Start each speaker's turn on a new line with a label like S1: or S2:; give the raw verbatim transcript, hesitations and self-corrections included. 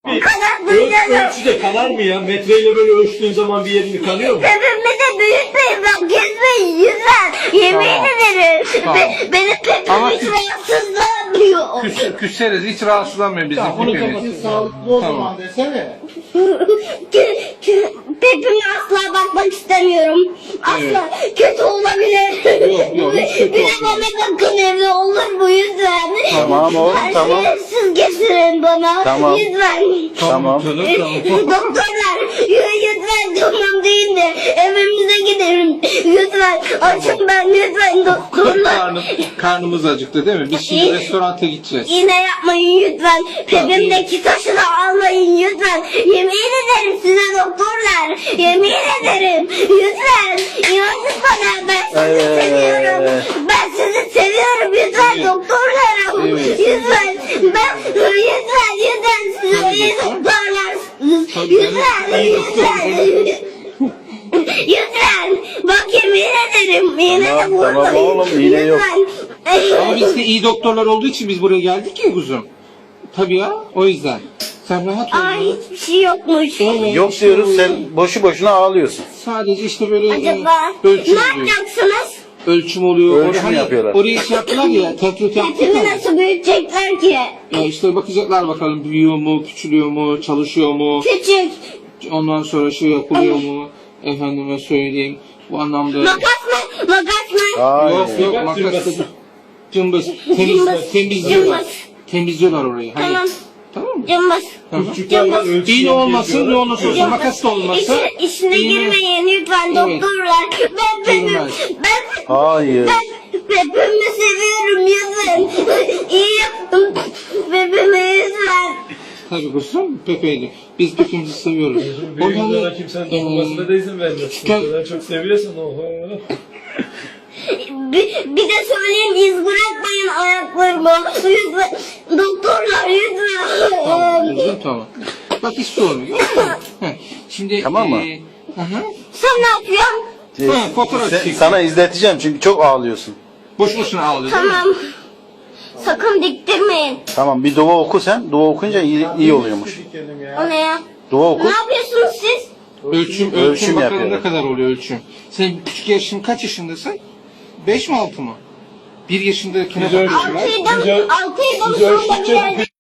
S1: Öl, ölçüde kanar mı ya? Metreyle böyle ölçtüğün zaman bir yerini kanıyor mu?
S2: Pepimi de büyütmeyin bak gezmeyin yüzler. Yemin
S3: Tamam.
S2: ederim.
S3: Tamam.
S2: Be, benim pepim
S3: Ama
S2: hiç
S3: küs-
S2: rahatsızlanmıyor.
S3: Küs, küseriz, hiç rahatsızlanmıyor bizim
S1: bunu
S3: pipimiz.
S4: Sağlıklı o
S3: Tamam.
S4: zaman desene.
S2: Kö- kö- Pepime asla bakmak istemiyorum. Asla kötü olabilir.
S3: Yok, yok, hiç kötü
S2: Bir de
S3: olmaz.
S2: bana bakın evde olur mu lütfen?
S5: Tamam oğlum,
S2: Her
S5: tamam.
S2: şeyi siz getirin bana.
S5: Tamam.
S2: Lütfen.
S5: Tamam.
S3: Canım, tamam.
S2: Doktorlar lütfen tamam deyin de evimize gidelim. Lütfen açın ben lütfen doktorlar.
S3: Karnım, karnımız acıktı değil mi? Biz şimdi restoranta gideceğiz.
S2: Yine yapmayın lütfen. Pepimdeki taşı da almayın lütfen. Yemin ederim size doktorlar. Yemin ederim. Lütfen. İnanın bana ben sizi
S5: Evet.
S2: seviyorum. Ben sizi seviyorum lütfen
S3: Evet.
S2: doktorlarım.
S3: Evet.
S2: Lütfen. Ben lütfen lütfen siz
S3: Tabii
S2: iyi
S3: doktor.
S2: doktorlarsınız.
S3: Tabii,
S2: Lütfen.
S3: ben iyi doktorum.
S2: Lütfen. Lütfen. Bak yemin ederim. Yine de
S5: Tamam,
S2: vurmayın.
S5: tamam oğlum, iğne yok.
S2: Lütfen.
S3: Ama biz de iyi doktorlar olduğu için biz buraya geldik ya kuzum. Tabii ya, o yüzden. Sen rahat ol.
S2: Ay hiçbir şey yokmuş.
S3: Evet,
S5: Yok
S3: işte
S5: diyoruz,
S3: bu-
S5: sen boşu boşuna ağlıyorsun.
S3: Sadece işte böyle
S2: Acaba
S3: e, ölçüm
S2: ne
S3: oluyor.
S2: yapacaksınız?
S3: Ölçüm oluyor.
S5: Ölçüm
S3: Oraya- hani
S5: yapıyorlar.
S3: Oraya şey yaptılar ya, tetrit yaptık
S2: Hepimi
S3: ya.
S2: nasıl büyütecekler ki?
S3: Ya işte bakacaklar bakalım büyüyor mu, küçülüyor mu, çalışıyor mu.
S2: Küçük.
S3: Ondan sonra şey yapılıyor mu? Efendime söyleyeyim. Bu anlamda...
S2: Makas mı? Makas mı?
S5: Hayır.
S3: Yok yok
S1: Cımbız,
S3: makas.
S1: cımbız.
S3: Cımbız. Temiz,
S2: Cımbız,
S3: temizliyorlar.
S2: cımbız.
S3: Temizliyorlar orayı. Hani.
S2: Tamam.
S3: Tamam mı?
S2: Cımbız.
S1: Küçükler var ölçü
S3: İğne olmasın, ne
S1: yapıyorlar.
S3: olursa olsun,
S2: Cımbız.
S3: makas da olmasa.
S2: İçine, içine
S3: iğne-
S2: girmeyin lütfen
S3: Evet.
S2: doktorlar. Ben pepim,
S3: Girmez.
S2: ben,
S5: Hayır.
S2: ben pepimi seviyorum lütfen. İyi yaptım. Pepimi lütfen.
S3: Tabii kuzum, Pepe'ydi. Biz Pepe'mizi seviyoruz.
S1: Büyüklara kimsenin dokunmasına da izin vermez.
S3: Gel.
S1: O kadar çok seviyorsan oho.
S2: Bir, bir de söyleyeyim iz bırakmayın ayaklarımı. Lütfen. Doktorlar lütfen.
S3: Tamam, kuzum, tamam. Bak hiç sorun yok. Heh, Şimdi...
S5: Tamam mı?
S3: e, aha.
S2: Sen ne yapıyorsun?
S3: Ha, fotoğraf
S5: Sen-
S3: çekiyor.
S5: sana izleteceğim çünkü çok ağlıyorsun.
S3: Boş boşuna ağlıyor değil mi?
S2: Tamam. Sakın diktirmeyin.
S5: Tamam, bir dua oku sen. Dua okuyunca iyi, iyi oluyormuş.
S2: O ne ya?
S5: Dua oku.
S2: Ne yapıyorsunuz siz?
S3: Ölçüm, ölçüm,
S5: Ölçüm
S3: bakalım
S5: yapıyorum.
S3: ne kadar oluyor ölçüm. Sen küçük yaşın kaç yaşındasın? Beş mi altı mı? Bir yaşındakine
S1: Biz ölçüm-
S3: bakıyorlar.
S2: Altıydım,
S1: Biz ö-
S2: altıydım
S1: biz
S2: sonra
S1: ölçtükçe
S2: bir yerde